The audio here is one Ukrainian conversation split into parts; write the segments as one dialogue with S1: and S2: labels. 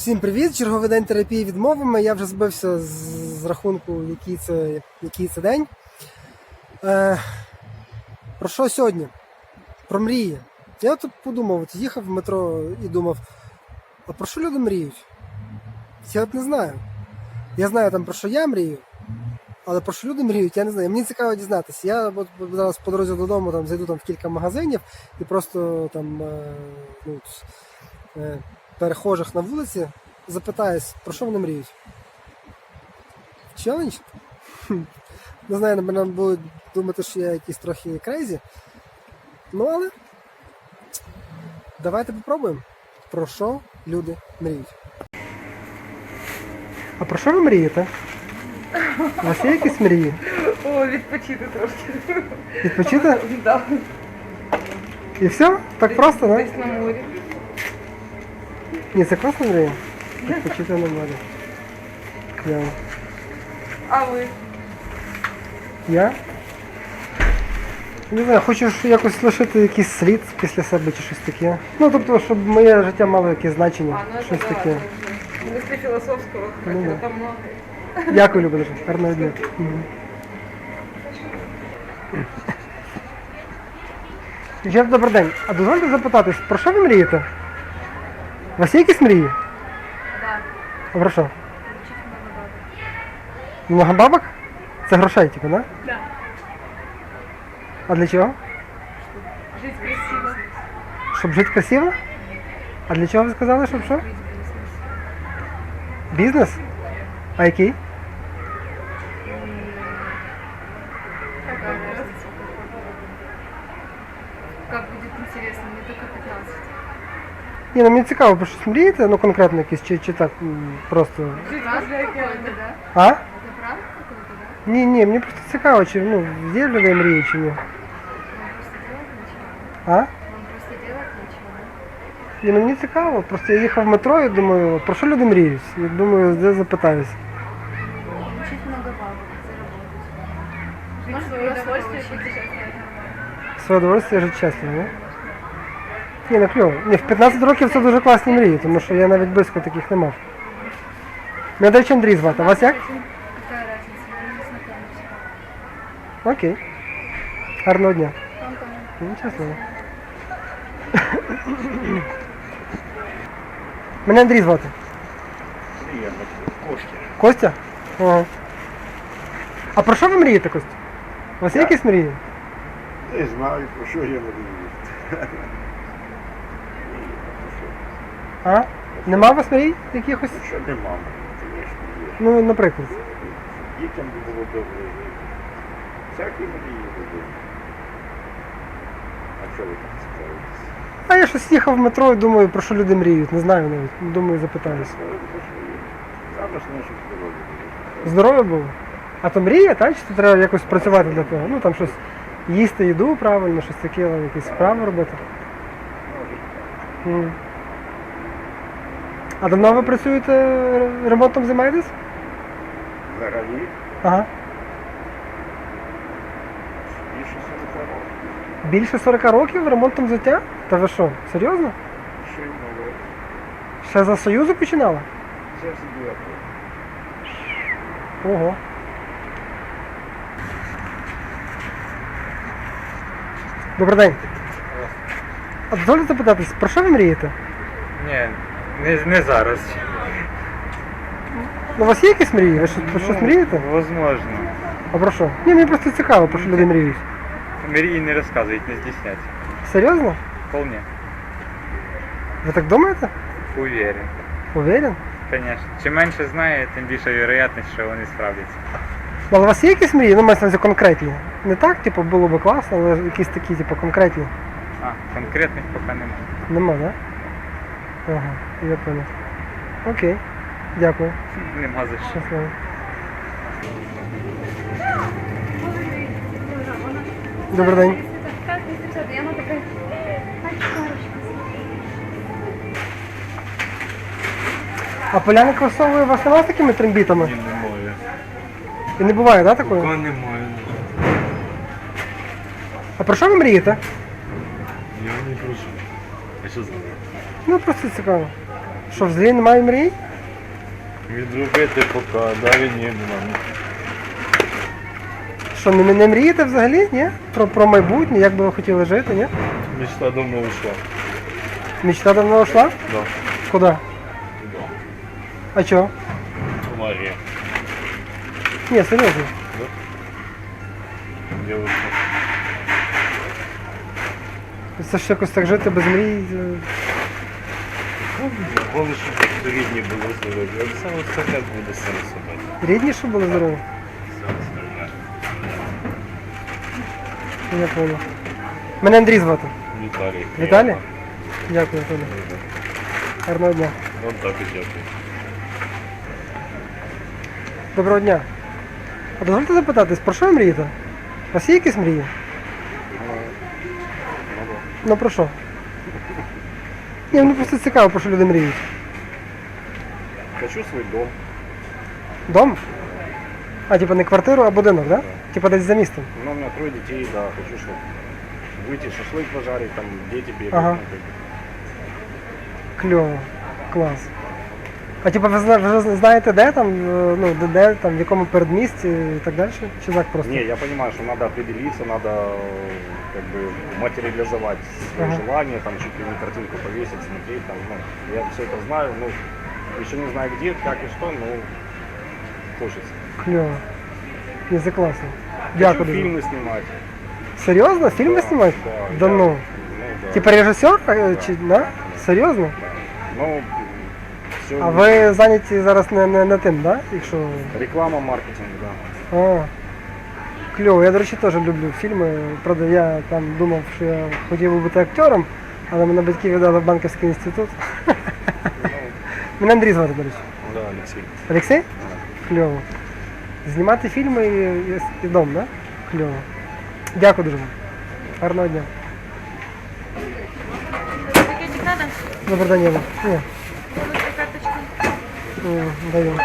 S1: Всім привіт! Черговий день терапії відмовами. Я вже збився з рахунку, який це день. Про що сьогодні? Про мрії. Я тут подумав, їхав в метро і думав, а про що люди мріють? Я от не знаю. Я знаю там про що я мрію, але про що люди мріють, я не знаю. Мені цікаво дізнатися. Я от зараз по дорозі додому там, зайду там, в кілька магазинів і просто там перехожих на вулиці запитаюсь, про що вони мріють. Челендж? Не знаю, напевно, будуть думати, що я якийсь трохи крейзі. Ну, але давайте попробуємо. Про що люди мріють. А про що ви мрієте? У вас є якісь мрії?
S2: О, відпочити трошки.
S1: Відпочити?
S2: Да.
S1: І все? Так просто, так?
S2: Десь на морі.
S1: Ні, це класна мрія. Відпочити на морі. Кльово.
S2: А ви?
S1: Я? Не знаю, хочу ж якось лишити якийсь слід після себе чи щось таке. Ну, тобто, щоб моє життя мало якесь значення.
S2: А, ну это
S1: Щось
S2: да,
S1: таке.
S2: это мысли философского,
S1: Ну, да.
S2: там много.
S1: Дякую, Люба, дуже. Гарного дня. Дівчата, добрий день. А дозвольте запитатись, про що ви мрієте? У вас є якісь мрії?
S2: Да.
S1: А про що? Много бабок? Це грошей, типу, да?
S2: Да.
S1: А для чого?
S2: Жить красиво.
S1: Щоб жити красиво? А для чого ви сказали, щоб що? Бізнес? А який?
S2: Какая разница? Как будет интересно, мне только 15.
S1: Ні, ну мені цікаво, про щось мрієте, ну конкретно якісь, чи так просто.
S2: Жить возле океана, да?
S1: А?
S2: Это правда какой-то, да?
S1: Ні, мені просто цікаво, чи є в людей мрії, чи ні.
S2: Вам просто делать нечего.
S1: А?
S2: Вам просто делать нечего, да?
S1: Ні, ну мені цікаво, просто я їхав в метро і думаю, про що люди мріють? І думаю, де запитаюсь.
S2: Учить много бабок, заработать. Жить в свое удовольствие, путешествовать.
S1: Своє удовольствие жити щасливо, не? Ні, ну кльово. Ні, в 15 років це дуже класні мрії, тому що я навіть близько таких не мав. Мене, до речі, Андрій звати, а вас як?
S2: Какая разница, мы не знакомимся.
S1: Окей. Гарного дня.
S2: Вам тоже.
S1: Ну, щасливо. Мене Андрій звати.
S3: Костя.
S1: Костя? Ага. А про що ви мрієте, Костя? У вас є якісь мрії?
S3: Не знаю, про що я мрію.
S1: А? Нема у вас мрій якихось?
S3: Що нема, звісно, є.
S1: Ну, наприклад.
S3: Дітям би було добре жити. Всякі мрії були. А що ви так цікавитесь?
S1: А я щось їхав в метро і думаю, про що люди мріють. Не знаю навіть. Думаю, запитаюсь.
S3: Саме ж наше здоров'я було.
S1: Здоров'я було? А то мрія, так? Чи то треба якось працювати для того? Ну там щось їсти їду правильно, щось таке, якісь справи робити. М. А давно ви працюєте, ремонтом займаєтесь?
S3: Взагалі,
S1: Ага.
S3: більше 40 років.
S1: Більше 40 років ремонтом взуття? Та ви що, серйозно?
S3: Ще й нове.
S1: Ще за Союзу починала?
S3: Це сиділа.
S1: Ого. Добрий день. А дозвольте запитатись, про що ви мрієте?
S4: Ні, не зараз.
S1: Ну, у вас є якісь мрії? Ви про щось мрієте?
S4: Возможно.
S1: А про що? Ні, мені просто цікаво, про що люди мріють.
S4: Мрії не розказують, не стісняться.
S1: Серйозно?
S4: Вполне.
S1: Ви так думаєте?
S4: Уверен.
S1: Уверен?
S4: Конечно. Чим менше знає, тим більша вірогідність, що вони справляться.
S1: Ну, але у вас є якісь мрії? Ну, мається на увазі конкретні. Не так, типу, було би класно, але якісь такі, типу, конкретні.
S4: А, конкретних поки немає.
S1: Нема, так? Да? Ага, я понял. Окей. Дякую.
S4: Нема за що.
S1: Щасливо. Добрий день. А поляни кросовує у вас немає з такими трембітами?
S4: Немає.
S1: І не буває, так, такої?
S4: Немає.
S1: А про що ви мрієте?
S4: Я не прошу. А що знаю?
S1: Ну, просто цікаво. Що, взагалі немає мрій?
S3: Відробити поки, далі ні, мам.
S1: Що, не мрієте взагалі, ні? Про майбутнє, як би ви хотіли жити, ні?
S3: Мечта давно ушла.
S1: Мечта давно ушла?
S3: Да.
S1: Куди?
S3: Да.
S1: А чого?
S3: Мария.
S1: Ні, серйозно.
S3: Девушка.
S1: Це ж якось так жити без мрій.
S3: Головне, щоб рідні були здорові. А все остальне буде сам собі.
S1: Рідні, щоб були здорові?
S3: Все остальне.
S1: Я понял. Мене Андрій звати.
S3: Віталій.
S1: Віталій? Дякую, Анатолій. Гарного дня.
S3: Вам так і дякую.
S1: Доброго дня. А дозвольте запитатись, про що ви мрієте? У вас є якісь мрії? Ну про що? Ні, мені просто цікаво, про що люди мріють.
S3: Хочу свій дом.
S1: Дом? А, типа не квартиру, а будинок, да? Типа десь за містом.
S3: Ну, у меня 3 детей, да, хочу, чтобы выйти, шашлык пожарить, там дети бегают.
S1: Ага.
S3: ну, как бы.
S1: Кльово. Клас. А типа ви вже знаєте, де там, ну, де там, в якому передмісті і так далі? Чи так просто?
S3: Не, я понимаю, что надо определиться, надо как бы материализовать свои
S1: Ага.
S3: желания, там чуть ли не картинку повесить, смотреть, там, ну, я все это знаю, ну, еще не знаю где, как и что, но хочется.
S1: Кльово. Ні, це класно.
S3: Хочу
S1: Дякую. дуже.
S3: фильмы снимать.
S1: Серйозно? Фільми знімати? Да
S3: я-
S1: ну.
S3: да.
S1: Типа режисер? Чи, да? Серйозно?
S3: Ну, все,
S1: А ви зайняті зараз не тим, да? Якщо...
S3: реклама, маркетинг, да.
S1: А, кльово. Я, до речі, теж люблю фільми. Правда, я там думав, що я хотів би бути актером, але мене батьки віддали в банківський інститут. Мене Андрій звати, до речі.
S3: Да, Алексей.
S1: Олексій? Кльово. Знімати фільми і дом, да? Кльово. Дякую дуже вам. Гарного дня.
S2: Пакетик надо?
S1: Добрий день, Єва. Ні,
S2: Карточка.
S1: даю.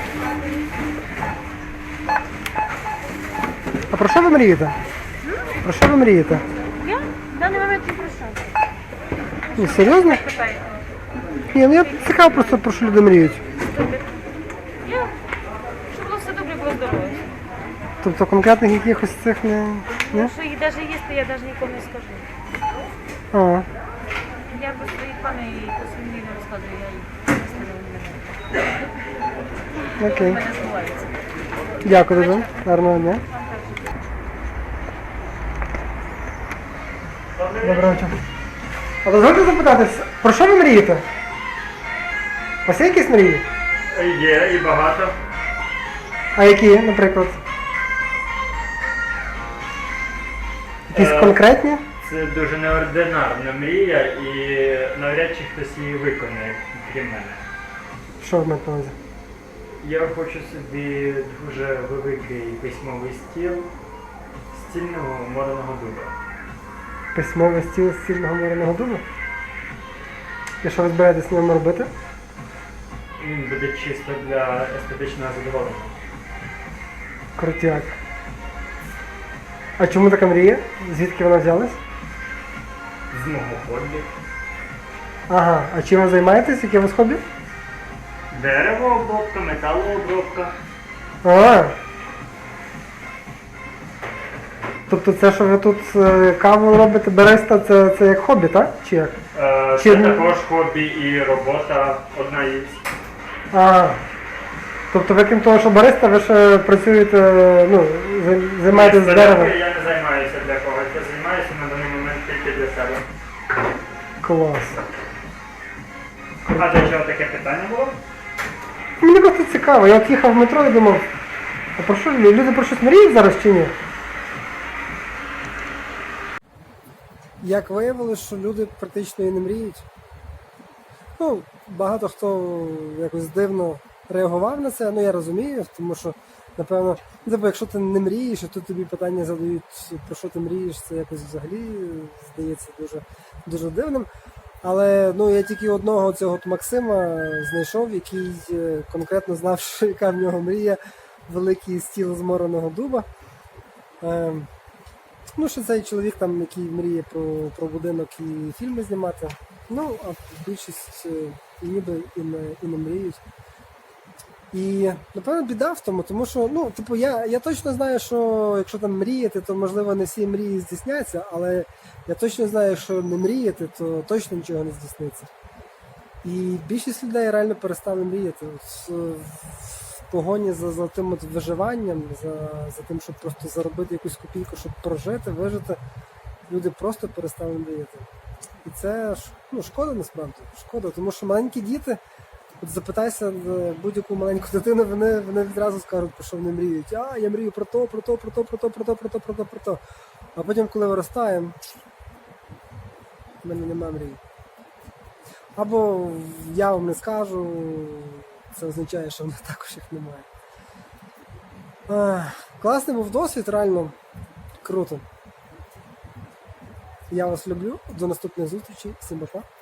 S1: А про що ви мрієте? Про що ви мрієте?
S2: Я? В даний момент не про що.
S1: Ні, серйозно?
S2: Питаєте?
S1: Ні, ну я цікаво просто про що люди мріють.
S2: Я? Щоб було все добре, було здоров'я.
S1: Тобто конкретних якихось цих не. Ні?
S2: Що їх навіть є, то я навіть нікому не скажу.
S1: А,
S2: Я про свої плани і про свої мрії не розказую, я їх не ставлю.
S1: окей.
S2: У мене збувається.
S1: Дякую дуже. Гарного дня. Доброго вечора. А дозвольте запитатись, про що ви мрієте? У вас є якісь мрії?
S5: Є і багато.
S1: А які, наприклад? Якісь конкретні?
S5: Це дуже неординарна мрія і навряд чи хтось її виконає, крім мене.
S1: Що ви маєте на увазі?
S5: Я хочу собі дуже великий письмовий стіл стільного мореного дуба.
S1: Письмовий стіл з стільного мореного дубу? І що ви збираєтесь на ньому робити?
S5: Він буде чисто для естетичного задоволення.
S1: Крутяк. А чому така мрія? Звідки вона взялась?
S5: З мого хобі.
S1: Ага, а чим ви займаєтесь? Яке у вас хобі?
S5: Деревообробка, металообробка.
S1: А. Тобто це, що ви тут каву робите, береста, це як хобі, так? Чи як?
S5: Це
S1: Чи-
S5: також хобі і робота одна із.
S1: А. Тобто ви крім того, що бариста, ви ще працюєте, ну, займаєтесь з деревом.
S5: Я не займаюся для когось, я займаюся на даний момент тільки для себе.
S1: Клас.
S5: А для чого таке питання було?
S1: Мені просто цікаво, я от їхав в метро і думав, а про що люди про щось мріють зараз чи ні? Як виявилось, що люди практично і не мріють. Ну, багато хто якось дивно реагував на це, ну я розумію, тому що, напевно, типу, якщо ти не мрієш, і тут тобі питання задають, про що ти мрієш, це якось взагалі здається дуже дивним. Але ну, я тільки одного цього от Максима знайшов, який конкретно знав, що яка в нього мрія, великий стіл з мореного дуба. Ну, що цей чоловік, там, який мріє про будинок і фільми знімати. Ну, а більшість і ніби і не мріють. І, напевно, біда в тому, тому що, ну, типу, я точно знаю, що якщо там мріяти, то, можливо, не всі мрії здійсняться, але я точно знаю, якщо не мріяти, то точно нічого не здійсниться. І більшість людей реально перестали мріяти. От, в погоні за золотим от виживанням, за тим, щоб просто заробити якусь копійку, щоб прожити, вижити, люди просто перестали мріяти. І це ну, шкода насправді. Шкода, тому що маленькі діти, от запитайся будь-яку маленьку дитину, вони відразу скажуть, про що вони мріють. А, я мрію про то, про то, про то, про то, про то, про то, про то, про то. А потім, коли виростаємо, в мене немає мрії. Або я вам не скажу, це означає, що в мене також їх немає. Класний був досвід, реально круто. Я вас люблю, до наступних зустрічей, всім па-па.